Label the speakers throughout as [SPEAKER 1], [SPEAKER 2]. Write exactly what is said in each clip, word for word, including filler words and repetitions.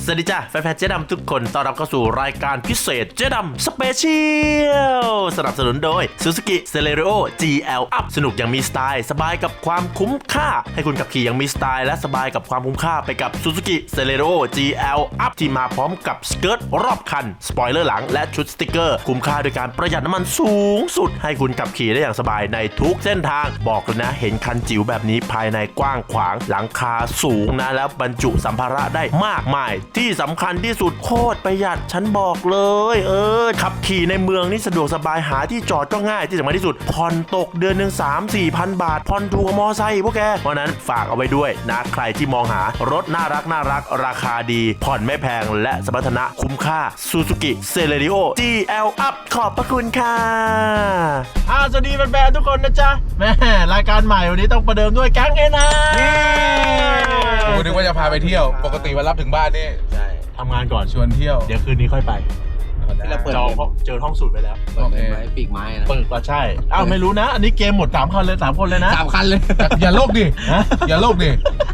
[SPEAKER 1] วัสดีจ้าแฟนๆเจ๊ดำทุกคนต้อนรับเข้าสู่รายการพิเศษเจ๊ดำสเปเชียลสนับสนุนโดย Suzuki Celerio จี แอล Up สนุกอย่างมีสไตล์สบายกับความคุ้มค่าให้คุณขับขี่อย่างมีสไตล์และสบายกับความคุ้มค่าไปกับ Suzuki Celerio จี แอล Up ที่มาพร้อมกับสเกิร์ตรอบคันสปอยเลอร์หลังและชุดสติกเกอร์คุ้มค่าโดยการประหยัดน้ำมันสูงสุดให้คุณขับขี่ได้อย่างสบายในทุกเส้นทางบอกเลยนะเห็นคันจิ๋วแบบนี้ภายในกว้างขวางหลังคาสูงนะแล้วบรรจุสัมภาระได้มากมายที่สำคัญที่สุดโคตรประหยัดฉันบอกเลยเออขับขี่ในเมืองนี่สะดวกสบายหาที่จอดก็ง่ายที่สำคัญที่สุดผ่อนตกเดือนหนึ่ง สามสี่พันบาทผ่อนถูกกว่ามอไซค์พวกแกเพราะนั้นฝากเอาไว้ด้วยนะใครที่มองหารถน่ารักน่ารักราคาดีผ่อนไม่แพงและสมรรถนะคุ้มค่า Suzuki Celerio จี แอล Up ขอบพระคุณค่ะอ่าสวัสดีแฟนๆทุกคนนะจ๊ะแม่รายการใหม่วันนี้ต้องประเดิมด้วยแก๊งเอ็นอาร์
[SPEAKER 2] กูนึกว่าจะพาไปเที่ยวปกติวันรับถึงบ้านนี่
[SPEAKER 1] ใช่ทำงานก่อน
[SPEAKER 2] ชวนเที่ยว
[SPEAKER 1] เดี๋ยวคืนนี้ค่อยไป
[SPEAKER 3] ที่เราเปิด
[SPEAKER 1] จองเจอห้องสูตรไปแล้ว
[SPEAKER 3] เปิดไม้ปีกไม้นะ
[SPEAKER 1] เปิดก็ใช่อ้าวไม่รู้นะอันนี้เกมหมดสามคันเลยสามคนเลยนะ
[SPEAKER 3] สามคันเลย
[SPEAKER 2] อย่าโลกดิอย่าโลกดิ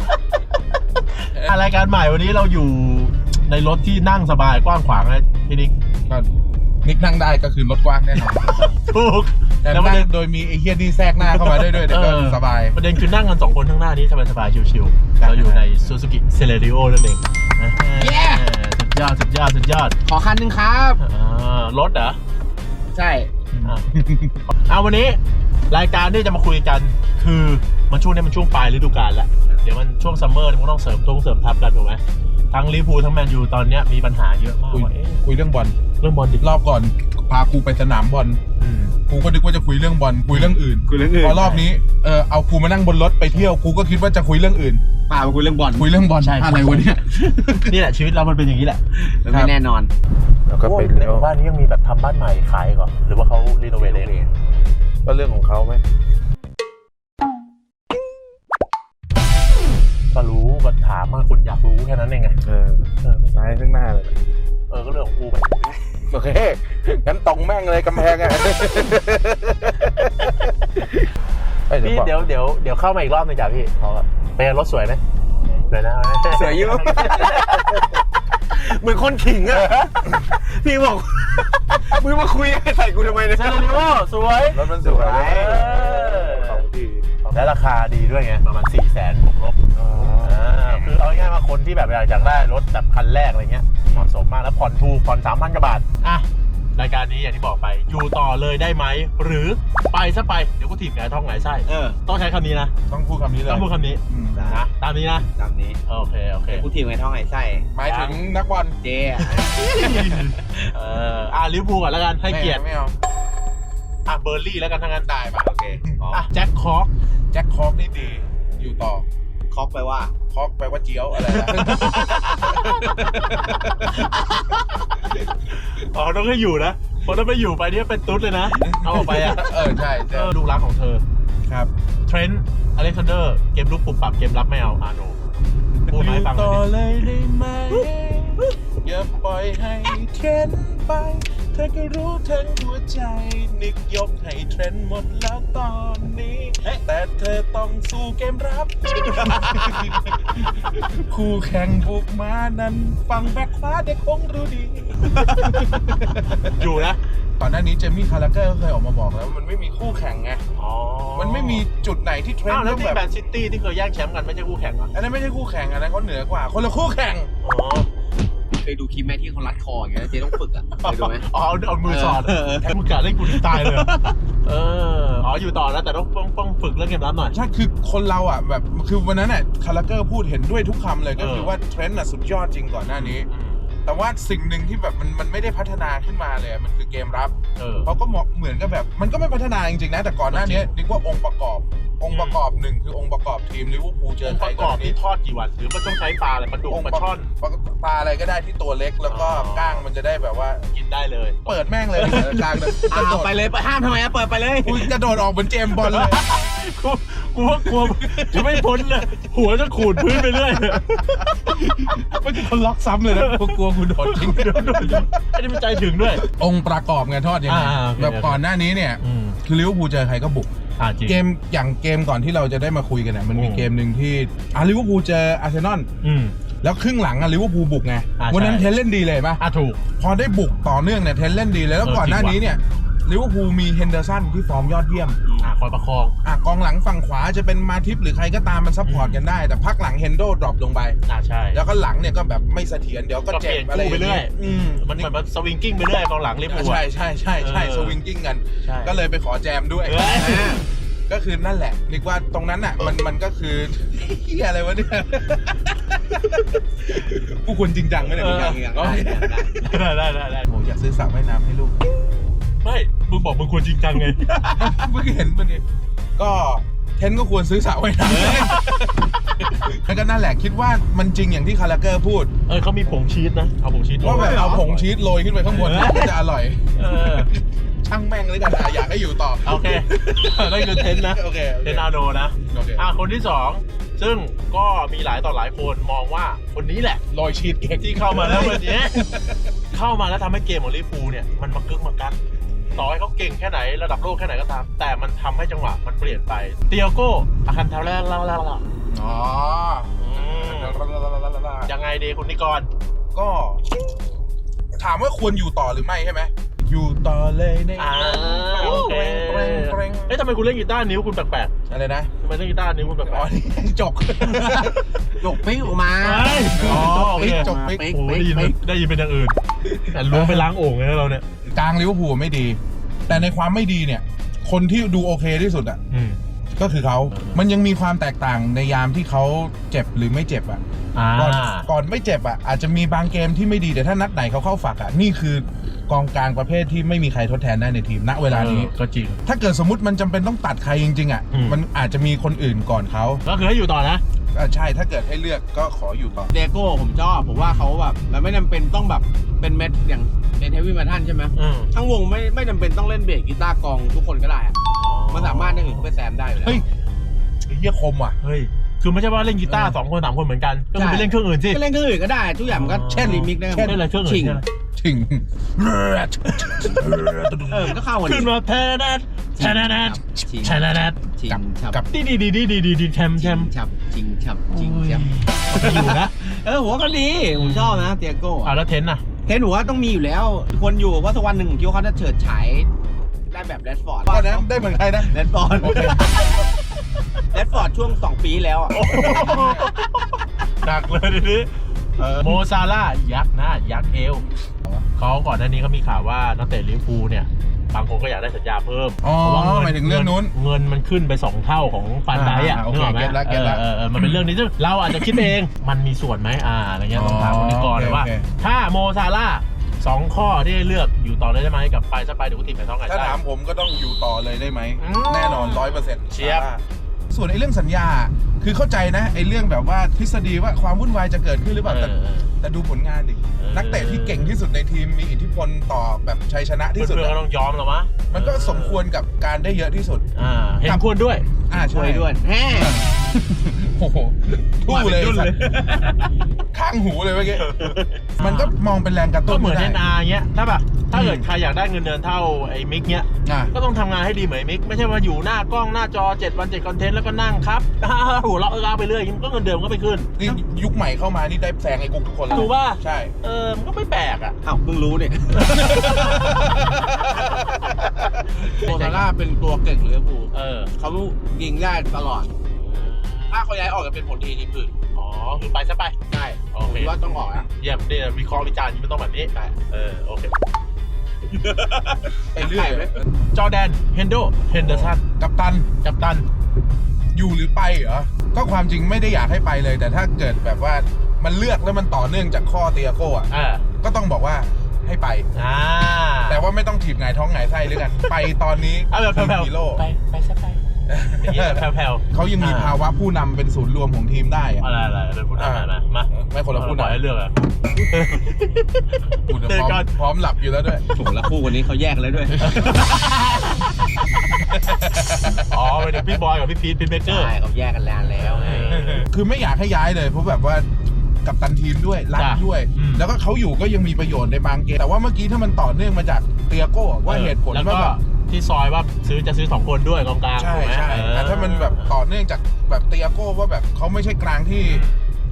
[SPEAKER 1] รายการใหม่วันนี้เราอยู่ในรถที่นั่งสบายกว้างขวางนะพี่นิก
[SPEAKER 2] ก็นิกนั่งได้ก็คือรถกว้างแน่นอน
[SPEAKER 1] ถูก
[SPEAKER 2] แต่นั่งโดยมีไอ้เฮียนี่แทรกหน้าเข้ามาด้วยด้วยเดี๋ยวก็สบาย
[SPEAKER 1] ประเด็นคือนั่งกันสองคนข้างหน้านี้สบายๆชิวๆเราอยู่ใน Suzuki Celerio นั่นเองสุดยอดสุดยอดสุดยอด
[SPEAKER 3] ขอคันหนึ่งครับ
[SPEAKER 1] รถเหรอ
[SPEAKER 3] ใช่
[SPEAKER 1] เอาวันนี้รายการที่จะมาคุยกันคือมันช่วงนี้มันช่วงปลายฤดูกาลแล้วเดี๋ยวมันช่วงซัมเมอร์มันต้องเสริมทงเสริมทัพกันถูกไหมทั้งลิเวอร์พูลทั้งแมนยูตอนนี้มีปัญหาเยอะมาก
[SPEAKER 2] คุยเรื่องบอล
[SPEAKER 1] เรื่องบอลดิ
[SPEAKER 2] รอบก่อนพากูไปสนามบอลกูก็นึกว่าจะคุยเรื่องบอลคุยเรื่องอื่น
[SPEAKER 3] คุยเรื่องอื่น
[SPEAKER 2] พอรอบนี้เออเอากูมานั่งบนรถไปเที่ยวกูก็คิดว่าจะคุยเรื่องอื่น
[SPEAKER 3] พาไปคุยเรื่องบอล
[SPEAKER 2] คุยเรื่องบอลอะไรวะเนี่ย
[SPEAKER 1] นี่แหละชีวิตเรามันเป็นอย่างนี้แหละ
[SPEAKER 3] ไม่แน่นอน
[SPEAKER 1] แล้วก็ไปในหมู่บ้านนี้ยังมีแบบทำบ้านใหม่ขายก่อนหรือว่าเขารีโนเวทเอง
[SPEAKER 2] ก็เรื่องของเขาไหม
[SPEAKER 1] ก็รู้ก็ถามมาคุณอยากรู้แค่นั้นเองไง
[SPEAKER 2] เออเออไม่ใช่ข้างหน้าเลย
[SPEAKER 1] เออก็เรื่องของกูไป
[SPEAKER 2] โอเคงั้นตรงแม่งเลยกำแพงอ่ะ
[SPEAKER 1] พี่เดี๋ยวเดี๋ยวเดี๋ยวเข้ามาอีกรอบนึงจ้ะพี่เขาเป็นรถสวยไหมสวยนะ
[SPEAKER 3] สวยอยู่
[SPEAKER 1] เหมือนคนขิงอ่ะพี่บอก
[SPEAKER 3] มึงมาคุยใส่กูทำไมเนี่ย
[SPEAKER 1] ใช่เลยว่าสวย
[SPEAKER 2] รถมันสวย
[SPEAKER 1] ของดีและราคาดีด้วยไงประมาณสี่แสนบวกลบคือเอาง่ายๆมาคนที่แบบอยากได้รถแบบคันแรกอะไรเงี้ยเหมาะสมมากแล้วผ่อนถูกผ่อนสามพันกว่าบาทอ่ะรายการนี้อย่างที่บอกไปอยู่ต่อเลยได้ไหมหรือไปซะไปเดี๋ยวกูถีบไงท้องไงไส้
[SPEAKER 3] เออ
[SPEAKER 1] ต้องใช้คำนี้นะ
[SPEAKER 2] ต้องพูดคำนี้เลย
[SPEAKER 1] ต้องพูดคำนี้นะตามนี้นะ
[SPEAKER 3] ตามนี้
[SPEAKER 1] โอเคโอเค
[SPEAKER 3] กูถีบไงท้องไงไส้
[SPEAKER 2] หมายถึงนักบอล
[SPEAKER 3] เจ๊
[SPEAKER 1] เอออ่ะลิเวอร์พูลก่อนแล้วกันให้เกียรติ
[SPEAKER 2] ไม่เอา
[SPEAKER 1] อ่ะเบอร์ลี่แล้วกันทั้งนั้น
[SPEAKER 2] ได้ป่ะโอเค
[SPEAKER 1] อ่ะแจ็คคอก
[SPEAKER 2] แจ็คคอกนี่ดีอยู่ต่อ
[SPEAKER 3] คอกแปลว่า
[SPEAKER 2] คอกแปลว่าเจียวอะไรนะ
[SPEAKER 1] อ๋อต้องให้อยู่นะเพราะถ้าไม่อยู่ไปนี่เป็นตุ๊ดเลยนะเอาออกไปอ่ะ
[SPEAKER 2] เออใช่ใช่
[SPEAKER 1] ดูรักของเธอ
[SPEAKER 2] ครับ
[SPEAKER 1] เทรนต์อเล็กซานเดอร์เกมลุกปุบปรับเกมรับไม่เอาอาโนพูดมาให้ฟัง
[SPEAKER 2] ต่อเลยได้ไหมอย่าปล่อยให้เทรนต์ไปเธอก็รู้ทั้งหัวใจนึกยกให้เทรนด์หมดแล้วตอนนี้แต่เธอต้องสู้เกมรับคู่แข่งบุกมานั้นฟังแบ็คฟ้าเด็กคงรู้ดี
[SPEAKER 1] อยู่นะ
[SPEAKER 2] ก่อนหน้านี้เจมี่คาราเกอร์เคยออกมาบอกแล้วมันไม่มีคู่แข่งไงมันไม่มีจุดไหนที่เทรนด์
[SPEAKER 1] ต้องแบบแมนซิตี้ที่เคยแย่งแชมป์กันไม่ใช่คู่แข่งเหรอ
[SPEAKER 2] อันนั้นไม่ใช่คู่แข่งอันนั้นเขาเหนือกว่าคนละคู่แข่ง
[SPEAKER 3] เคยดูคลิปแม่ที่เขารัดคออย่างเงี้ยเจ๊ต้องฝึกอ่ะเคยดูไหม
[SPEAKER 1] อ๋อเอามือสอดแทนมือกะเล่นกูถึงตายเลยเอออ๋ออยู่ต่อนะแต่ต้องต้องต้องฝึกเรื่องเกมรับหน่อย
[SPEAKER 2] ใช่คือคนเราอ่ะแบบคือวันนั้นน่ะคาราเกอร์พูดเห็นด้วยทุกคำเลยก็คือว่าเทรนด์น่ะสุดยอดจริงก่อนหน้านี้แต่ว่าสิ่งหนึ่งที่แบบมันมันไม่ได้พัฒนาขึ้นมาเลยมันคือเกมรับเขาก็เหมือนกับแบบมันก็ไม่พัฒนาจริงๆนะแต่ก่อนหน้านี้นึกว่าองค์ประกอบองค์ประกอบหนึ่งคือองค์ประกอบทีมลิเวอร์พูลเจอใคร
[SPEAKER 1] ก็นี่ทอดกี่วันหรือมันต้องใช้ปลาอะไรปลาดุกปลาช่อน
[SPEAKER 2] ปลาอะไรก็ได้ที่ตัวเล็กแล้วก็ก้างมันจะได้แบบว่า
[SPEAKER 1] กินได้เลย
[SPEAKER 2] เปิดแม่งเลยกลางเลย
[SPEAKER 3] กระโดดไปเลยห้ามทำไมอะเปิดไปเลย
[SPEAKER 2] กูกระโดดออกเหมือนเจมบอลเลย
[SPEAKER 1] กูกูว่ากลัวจะไม่พ้นเลยหัวจะขูดพื้นไปเรื่อย
[SPEAKER 2] ไม่มีคนล็อกซ้ำเลยนะกูกลัวกูโดดจริง
[SPEAKER 1] ไอ้นี่มันใจถึงด้วย
[SPEAKER 2] องค์ประกอบไงทอดยังไงแบบก่อนหน้านี้เนี่ยคือลิเวอร์พูลเจอใครก็บุกเกมอย่างเกมก่อนที่เราจะได้มาคุยกันเนี่ยมันมีเกมหนึ่งที่อาร์ลิเวอร์พูลเจออาร์เซนอลแล้วครึ่งหลังอะลิเวอร์พูลบุกไงวันนั้นเทนเล่นดีเลยป่ะ
[SPEAKER 1] อ่ะถูก
[SPEAKER 2] พอได้บุกต่อเนื่องเนี่ยเทนเล่นดีเลยแล้วก่อนหน้านี้เนี่ยลิเวอร์พูลมีเฮนเดอร์สันที่ฟอร์มยอดเยี่ยม
[SPEAKER 1] อ่ะคอยประคอง
[SPEAKER 2] อ่ะกองหลังฝั่งขวาจะเป็นมาทิปหรือใครก็ตามมันซัพพอร์ตกันได้แต่พักหลังเฮนโดดรอปลงไป
[SPEAKER 1] อ่ะใช่
[SPEAKER 2] แล้วก็หลังเนี่ยก็แบบไม่เสถียรเดี๋ยวก็เจ็บอะไรอย่าง
[SPEAKER 1] ไปเรื่
[SPEAKER 2] เงี้
[SPEAKER 1] อย
[SPEAKER 2] ยอืม
[SPEAKER 1] มันเหมือนมันสวิงกิ้งไปเรื่อยกองหลังลิเวอร์พูล
[SPEAKER 2] ใช่ใช่ใช่ใช่สวิงกิ้งกัน ก็เลยไปขอแจมด้วย ก็คือนั่นแหละนึกว่าตรงนั้นอ่ะมันมันก็คือเฮียอะไรวะเนี่ยผู้ควรจริงจังไหมเนี่ย
[SPEAKER 3] อย่างอย่างได้ได้
[SPEAKER 1] ได้ได้ได้ได้
[SPEAKER 2] ผมอยากซื้อสระว่ายน้ำให้ลูก
[SPEAKER 1] ไม่มึงบอกมึงควรจริงจังไง
[SPEAKER 2] เพิ่งเห็นมันนี่ก็เทนก็ควรซื้อสระว่ายน้ำแล้วก็นั่นแหละคิดว่ามันจริงอย่างที่คาราเกอร์พูด
[SPEAKER 1] เออเขามีผงชีสนะเอาผงชีส
[SPEAKER 2] ว่าแบบเอาผงชีสโรยขึ้นไปข้างบนก็จะอร่อย
[SPEAKER 1] เออ
[SPEAKER 2] ช่างแม่งเลยกันอ่ะอยากให้อยู่ต่อ
[SPEAKER 1] โอเคนั่นคือเทนนะ
[SPEAKER 2] โอเค
[SPEAKER 1] เทนอาโนนะ
[SPEAKER 2] โอเค
[SPEAKER 1] อ่ะคนที่สองซึ่งก็มีหลายต่อหลายคนมองว่าคนนี้แหละ
[SPEAKER 2] โรยชีสเค้ก
[SPEAKER 1] ที่เข้ามาแล้ววันนี้ เข้ามาแล้วทำให้เกมของลิเวอร์พูลเนี่ยมันมากึกมากักต่อให้เขาเก่งแค่ไหนระดับโลกแค่ไหนก็ตาม แต่มันทำให้จังหวะมันเปลี่ยนไปเตียโก้อาคันทาเล่าเล่าเล่า
[SPEAKER 2] อ๋อ
[SPEAKER 1] ยังไงดีคุณนิกร
[SPEAKER 2] ก็ถามว่าควรอยู่ต่อหรือไม่ใช่ไหมอยู่ต่อเลยใน
[SPEAKER 1] อ่าโอเค
[SPEAKER 2] เร่งเร่ง
[SPEAKER 1] เอ๊ะทำไมคุณเล่นกีตาร์นิ้วคุณแปลก
[SPEAKER 2] อะไรนะ
[SPEAKER 1] ๆทำไมเล่นกีตาร์นิ้วคุณแปล
[SPEAKER 2] อ๋อก นี่จก
[SPEAKER 3] จกปิ๊กออกมา
[SPEAKER 1] ๆเฮ้ยอ๋อโอเค
[SPEAKER 2] จกปิ๊ก
[SPEAKER 3] ปิ๊ก
[SPEAKER 1] โอ้โหได้ยินเป็นได้ยินเป็นอย่างอื่นแต่ล้วงไปล้างโอ่งเลยนะเราเนี่ย
[SPEAKER 2] กลางลิเวอร์พูลไม่ดี แต่ในความไม่ดีเนี่ย คนที่ดูโอเคที่สุดอ่ะ
[SPEAKER 1] อืม
[SPEAKER 2] ก็คือเขา มันยังมีความแตกต่างในยามที่เขาเจ็บหรือไม่เจ็บอ่ะ
[SPEAKER 1] อ่า
[SPEAKER 2] ก่อนก่อนไม่เจ็บอ่ะอาจจะมีบางเกมที่ไม่ดีแต่ถ้านัดไหนเขาเข้าฝักอ่ะนี่คือกองกลางประเภทที่ไม่มีใครทดแทนได้ในทีมณเวลานี้
[SPEAKER 1] ออก็จริง
[SPEAKER 2] ถ้าเกิดสมมติมันจำเป็นต้องตัดใครจริงๆอ่ะ
[SPEAKER 1] อืม
[SPEAKER 2] มันอาจจะมีคนอื่นก่อนเขา
[SPEAKER 1] ก็คือให้อยู่ต่อนะ
[SPEAKER 2] อ่ะใช่ถ้าเกิดให้เลือกก็ขออยู่ต่อ
[SPEAKER 3] เดโก้ผมชอบผมว่าเขาแบบมันไม่จำเป็นต้องแบบเป็นเม็ดอย่างเป็นเฮฟวี่เมทัลใช่ไหม
[SPEAKER 1] อืม
[SPEAKER 3] ทั้งวงไม่ไม่จำเป็นต้องเล่นเบสกีตาร์กลองทุกคนก็ได้อะมันสามารถอย่างอื่นเข้าไปแซมได้อยู่แล้ว
[SPEAKER 2] เฮ้ยไอ้เหี้ยคมว่ะ
[SPEAKER 1] เฮ้ย คือไม่ใช่ว่าเล่นกีตาร์
[SPEAKER 2] เออ
[SPEAKER 1] สองคนสามคนเหมือนกัน ก็คือไปเล่นเครื่องอื่นสิ
[SPEAKER 3] ก็เล่นเครื่องอื่นก็ได้ทุกอย่างมันก็
[SPEAKER 1] อ๋อ
[SPEAKER 3] เช่นรีมิกซ์ได้
[SPEAKER 1] เช่นอะไรเครื่องอื่น
[SPEAKER 3] ชิง
[SPEAKER 1] เช่นอะไร
[SPEAKER 2] ถึง
[SPEAKER 3] เออมันก็เข้ากัน
[SPEAKER 1] ขึ้นมาแทนัดแทนัด
[SPEAKER 3] ชิง
[SPEAKER 1] แทนัด
[SPEAKER 3] ชิงฉับ
[SPEAKER 2] กับ
[SPEAKER 1] ดีดีดีดีดีดีดีแชมป์แช
[SPEAKER 3] ชิ
[SPEAKER 1] ม
[SPEAKER 3] ง
[SPEAKER 1] ป์
[SPEAKER 3] ฉับชิงฉับชิงฉับ
[SPEAKER 1] อยู่นะ
[SPEAKER 3] เออผมว่าก็ดีผมชอบนะเตียโก้
[SPEAKER 1] อ่าแล้วเทนน่ะ
[SPEAKER 3] เทนหนูว่าต้องมีอยู่แล้วควรอยู่เพราะสักวันหนึ่งผมคิดว่าเขาจะเฉิดฉายได้แบบแรดฟอร์ด
[SPEAKER 2] ตอนนั้นได้เหมือนใครนะ
[SPEAKER 3] แรดฟอร์ดแรดฟอร์ดช่วงสองปีแล้วอ่ะ
[SPEAKER 1] หนักเลยทีนี้โมซาร่าห์ยักษ์หน้ายักษ์เอวเขาก่อนหน้านี้เขามีข่าวว่านักเตะลิเวอร์พูลเนี่ยบางคนก็อยากได้สัญญาเพิ่ม
[SPEAKER 2] อ๋อ
[SPEAKER 1] เพราะว่า
[SPEAKER 2] หมายถึงเรื่องนู้น
[SPEAKER 1] เงินมันขึ้นไปสองเท่าของฟันไดอ่ะ
[SPEAKER 2] อ่าโอเค
[SPEAKER 1] นึกออกไหม
[SPEAKER 2] เก็ตละเก็ตละ
[SPEAKER 1] เออเออมันเป็นเรื่องนี้ซึ่งเราอาจจะคิดเอง มันมีส่วนไหมอ่าอะไรเงี้ยต้องถามคนนี้ก่อนเลยว่า
[SPEAKER 2] โอเค
[SPEAKER 1] ถ้าโมซาร่าห์สองข้อที่ให้เลือกอยู่ต่อเลยได้ไหมกับไปสไปเดี๋ยวกูทีมไหนท้องไหน
[SPEAKER 2] ถ้า
[SPEAKER 1] ได้
[SPEAKER 2] ถามผมก็ต้องอยู่ต่อเลยได้ไหม
[SPEAKER 1] อืม
[SPEAKER 2] แน่นอนร้อยเปอร์เซ็นต์
[SPEAKER 1] เชียบ
[SPEAKER 2] ส่วนไอ้เรื่องสัญญาคือเข้าใจนะไอ้เรื่องแบบว่าทฤษฎีว่าความวุ่นวายจะเกิดขึ้นหรือเปล่า
[SPEAKER 1] เอ
[SPEAKER 2] แต่
[SPEAKER 1] อเออ
[SPEAKER 2] แต่ดูผลงานดิ
[SPEAKER 1] เออ
[SPEAKER 2] นักเตะที่เก่งที่สุดในทีมมีอิทธิพลต่อแบบชัยชนะที่สุด
[SPEAKER 1] เพื่อนๆก็
[SPEAKER 2] อะ
[SPEAKER 1] ต้องยอมหรอมะ
[SPEAKER 2] มันก็สมควรกับการได้เยอะที่สุด
[SPEAKER 1] อ่าเห็นควรด้วย
[SPEAKER 2] อ่า
[SPEAKER 3] ช่
[SPEAKER 2] ใช่
[SPEAKER 3] วยด้วยแฮ่
[SPEAKER 2] โอ้โหทู่เลย
[SPEAKER 1] มาเป็นยุ่นเลย
[SPEAKER 2] ข้างหูเลยเมื่อกี้มันก็มองเป็นแรงกระตุ้
[SPEAKER 1] ก็
[SPEAKER 2] น
[SPEAKER 1] เหมือน
[SPEAKER 2] ได้
[SPEAKER 1] เอ็นอาร์เงี้ยถ้าแบบถ้าเกิดใครอยากได้เงินเดือนเท่าไอ้มิกเงี้ย
[SPEAKER 2] อ่ะ
[SPEAKER 1] ก็ต้องทำงานให้ดีเหมือนไอ้มิกไม่ใช่ว่าอยู่หน้ากล้องหน้าจอเจ็ดวันเจ็ดคอนเทนต์แล้วก็นั่งครับ หัวเราะเออไปเรื่อยมันก็เงินเดือนมันก็ไม่ขึ้น
[SPEAKER 2] นี่ยุคใหม่เข้ามานี่ได้แซงไอ้กุ๊กทุกคนเลย
[SPEAKER 1] ถูกป่ะ
[SPEAKER 2] ใช่
[SPEAKER 1] เออมันก็ไม่แปลกอ่ะ
[SPEAKER 3] อ้าวเพิ่งรู้เนี่ยโมซาร่าห์เป็นตัวเก่งลิเวอร์พูล
[SPEAKER 1] เออ
[SPEAKER 3] เขายิงได้ตลอด ถ้าเขาย้ายออกจะเป็นผลดีทีมอื่น
[SPEAKER 1] อ๋อคือไปซะไป
[SPEAKER 3] ใช่
[SPEAKER 1] โอ
[SPEAKER 3] ผม
[SPEAKER 1] เค
[SPEAKER 3] คิดว่าต้องออกอ่ะ
[SPEAKER 1] เยี่ยมนี่วิเคราะห์วิจารณ์มันต้องแบบนี้เออโอเค
[SPEAKER 2] ไปเรื่อย
[SPEAKER 1] จอร์แดนเฮนโดเฮนเดอร์สัน
[SPEAKER 2] กัปตัน
[SPEAKER 1] กัปตัน
[SPEAKER 2] อยู่หรือไปเหรอ ก็ความจริงไม่ได้อยากให้ไปเลย แต่ถ้าเกิดแบบว่ามันเลือกแล้วมันต่อเนื่องจากข้อเตียโก้อะ
[SPEAKER 1] เออ
[SPEAKER 2] ก็ต้องบอกว่าให้ไป
[SPEAKER 1] อ่า
[SPEAKER 2] แต่ว่าไม่ต้องถีบหงายท้องหงายไส้ด้วยกัน ไปตอนนี้
[SPEAKER 1] เอาแบบแผ่ว
[SPEAKER 2] ฮีโร่
[SPEAKER 1] ๆไปไปซะไปอย่างนี้แบบแผ่วๆ
[SPEAKER 2] เขายังมี
[SPEAKER 1] อ่า
[SPEAKER 2] ภาวะผู้นำเป็นศูนย์รวมของทีมได้อะ
[SPEAKER 1] อะไรอะไรเป็นผู้นำอะไรนะมา
[SPEAKER 2] ไม่คนละผู้
[SPEAKER 1] ปล่อยให้
[SPEAKER 2] นำ
[SPEAKER 1] เลือกอะ
[SPEAKER 2] กูจะ
[SPEAKER 1] เจอ
[SPEAKER 2] พร้อ
[SPEAKER 1] กั
[SPEAKER 2] ม
[SPEAKER 1] น
[SPEAKER 2] พร้อมหลับอยู่แล้วด้วย
[SPEAKER 3] ถูกแล้วคู่วันนี้เขาแยกกันแล้วด้วย
[SPEAKER 1] อ๋อเป็นพี่บอยกับพี่พีทพีทเบเกอร์
[SPEAKER 3] ใช่เขาแยกกันแล้วแล้วไง
[SPEAKER 2] คือไม่อยากให้ย้ายเลยเพราะแบบว่ากับตันทีมด้วยรัก
[SPEAKER 1] จ้ะ
[SPEAKER 2] ด้วย
[SPEAKER 1] อืม
[SPEAKER 2] แล้วก็เขาอยู่ก็ยังมีประโยชน์ในบางเกมแต่ว่าเมื่อกี้ถ้ามันต่อเนื่องมาจากเตียโก้ว่าเหตุผล
[SPEAKER 1] แล้ว
[SPEAKER 2] ว่า
[SPEAKER 1] ก็
[SPEAKER 2] แบบ
[SPEAKER 1] ที่ซอยว่าซื้อจะซื้อสองคนด้วยกองกลาง
[SPEAKER 2] ใช่
[SPEAKER 1] ถูกไหม
[SPEAKER 2] ใช่
[SPEAKER 1] เออ
[SPEAKER 2] แต่ถ้ามันแบบต่อเนื่องจากแบบเตียโก้ว่าแบบเขาไม่ใช่กลางที่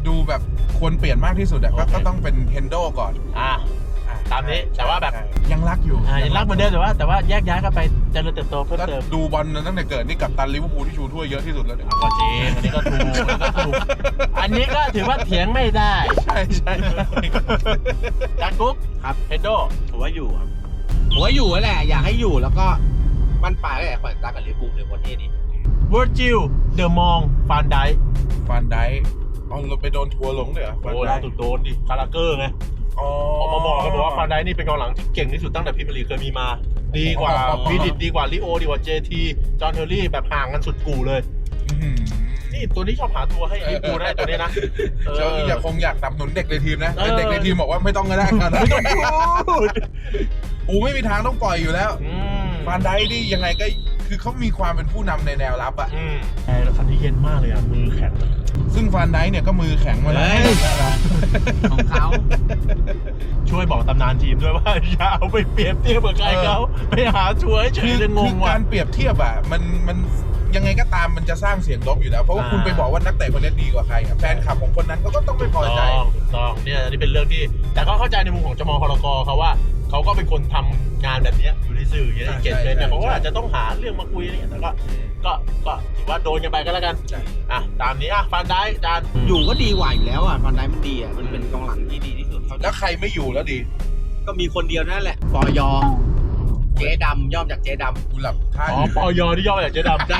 [SPEAKER 2] ดูแบบควรเปลี่ยนมากที่สุดอะก็
[SPEAKER 1] โอเค
[SPEAKER 2] ก็ต้องเป็นเฮนโดก่อน
[SPEAKER 1] อ่า
[SPEAKER 2] อ่ะ
[SPEAKER 1] ตามนี้แต่ว่าแบบ
[SPEAKER 2] ใช่ยังรักอยู่
[SPEAKER 1] อ่ายังรักเหมือนเดิมแต่ว่าแต่ว่าแยกย้ายกันไปเจริญเติบโตเพิ่ม
[SPEAKER 2] ก็
[SPEAKER 1] เติม
[SPEAKER 2] ดูบอลตั้งแต่เกิดนี่กับตันลิเวอร์พูลที่ชูถ้วยเยอะที่สุดแล้วเนี่ย
[SPEAKER 1] ก็จริงอันนี้ก็ถูกอันนี้ก็ถูกอันนี้ก็ถือว่าเถียงไม่ได้
[SPEAKER 2] ใช่ใช่
[SPEAKER 1] การกุ๊ก
[SPEAKER 3] ครับ
[SPEAKER 1] เฮนโด
[SPEAKER 3] ผมว่าอยู่ครับผมว่าอยู่นั่นแหละอยากให้อยู่แล้วก็บ้านปลายก็อยากขวัญตากับลิเวอร์พูลในประเทศนี้
[SPEAKER 1] เวอร์จิลเดอะมองฟานได
[SPEAKER 2] ฟานไดเอาเราไปโดนทัวร์ลงเลยเหรอฟาน
[SPEAKER 1] โอ้
[SPEAKER 2] ได
[SPEAKER 1] ล่าสุดโดนดิคาราเกอร์ไง
[SPEAKER 2] อ๋อ
[SPEAKER 1] ออกมาบอกกันบอกว่าฟานไดนี่เป็นกองหลังที่เก่งที่สุดตั้งแต่พรีเมียร์ลีกเคยมีมา ดีกว่า
[SPEAKER 2] อ๋อ
[SPEAKER 1] วีดิตดีกว่าลิโอดีกว่าเจทีจอห์นเทอร์รี่แบบห่างกันสุดกู่เลย
[SPEAKER 2] อื้อหือ
[SPEAKER 1] นี่ตัวนี้ชอบหาตัวให้ลิเวอร์พูลได้ตัวนี้นะ
[SPEAKER 2] เจ้าอยากคงอยากสนับสนุนเด็กในทีมนะ
[SPEAKER 1] เออ
[SPEAKER 2] แต่เด็กในทีมบอกว่าไม่ต้องก็ได้ครับ
[SPEAKER 1] ไม่ต้องพูด
[SPEAKER 2] อูไม่มีทางต้องปล่อยอยู่แล้ว
[SPEAKER 1] อืม
[SPEAKER 2] ฟานไดนี่ยังไงก็คือเขามีความเป็นผู้นำในแนวรับอะ
[SPEAKER 1] อืมไอ้แล้วคันนี้เย็นมากเลยอ่ะมือแข็งเลย
[SPEAKER 2] ซึ่งฟานไดเนี่ยก็มือแข็งมาแล้ว
[SPEAKER 3] เฮ้ย ของเขา
[SPEAKER 1] ช่วยบอกตำนานทีมด้วยว่าอย่าเอาไปเปรียบเทียบกับใครเขาไปหาช่วยเฉ
[SPEAKER 2] คื
[SPEAKER 1] ย
[SPEAKER 2] อ
[SPEAKER 1] จะง
[SPEAKER 2] คื
[SPEAKER 1] ง
[SPEAKER 2] อ
[SPEAKER 1] ว่ะ
[SPEAKER 2] การเปรียบเทียบอะมันมันยังไงก็ตามมันจะสร้างเสียงลบอยู่แล้ว เพราะว่า
[SPEAKER 1] อ่า
[SPEAKER 2] คุณไปบอกว่านักเตะคนนี้ดีกว่าใครอะแฟนคลับของคนนั้นเขาก็ต้องไม่พอใจ
[SPEAKER 1] ต้องถูกต้องเนี่ยอันนี้เป็นเรื่องที่ แต่ก็เข้าใจในมุมของจมฮรกเขาว่าเขาก็เป็นคนทำงานแบบเนี้ยอยู่ในสื่ออย่างเงี้ย
[SPEAKER 2] ใช่
[SPEAKER 1] เก่งเลยเนี่ย
[SPEAKER 2] ใช่
[SPEAKER 1] เขาก็
[SPEAKER 2] ใช่
[SPEAKER 1] อาจจะต้องหาเรื่องมาคุยอะไรเงี้ยแต่ก็ก็ก็ถือว่าโดนกันไปก็แล้วกัน
[SPEAKER 2] ใช่
[SPEAKER 1] อ่ะตามนี้อ่ะฟันได้จาน
[SPEAKER 3] อยู่ก็ดีกว่าอยู่แล้วอ่ะฟันไดมันดีอ่ะมันเป็นกองหลังที่ดีที่สุดเท่า
[SPEAKER 2] แล้วใครไม่อยู่แล้วดี
[SPEAKER 3] ก็มีคนเดียวนั่นแหละปอยอเจ๊ดำย่อมจากเจ๊ดำ
[SPEAKER 2] กูหลับท่า
[SPEAKER 1] อ๋อปอยที่ย่อมาจากเจ๊ดำ
[SPEAKER 3] ได้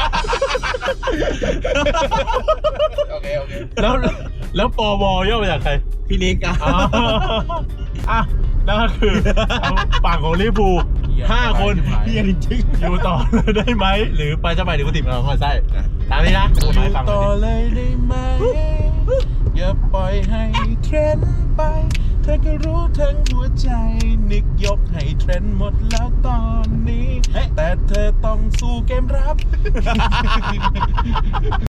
[SPEAKER 2] โอเคโอเค
[SPEAKER 1] แล้วแล้วปวย่อมาจากใคร
[SPEAKER 3] พี่นิกอ่ะ
[SPEAKER 1] อ๋ออ่ะนั่นก็คือฝั่งของลิเวอร์พูลห้าคน
[SPEAKER 3] เฮียจริง
[SPEAKER 1] อยู่ต่อเลยได้ไหมหรือไปจะไปหรือกูติดมาคอยไส้ตามนี้นะ
[SPEAKER 2] อ
[SPEAKER 1] พูด
[SPEAKER 2] ยู่
[SPEAKER 1] ให้ฟังหน่
[SPEAKER 2] ต่
[SPEAKER 1] อ
[SPEAKER 2] อย
[SPEAKER 1] ดิ
[SPEAKER 2] เลยได้ไหม อย่าปล่อยให้เทรนด์ไป เธอก็รู้ทั้งหัวใจ นึกยกให้เทรนด์หมดแล้วตอนนี้ แต่เธอต้องสู้เกมรับ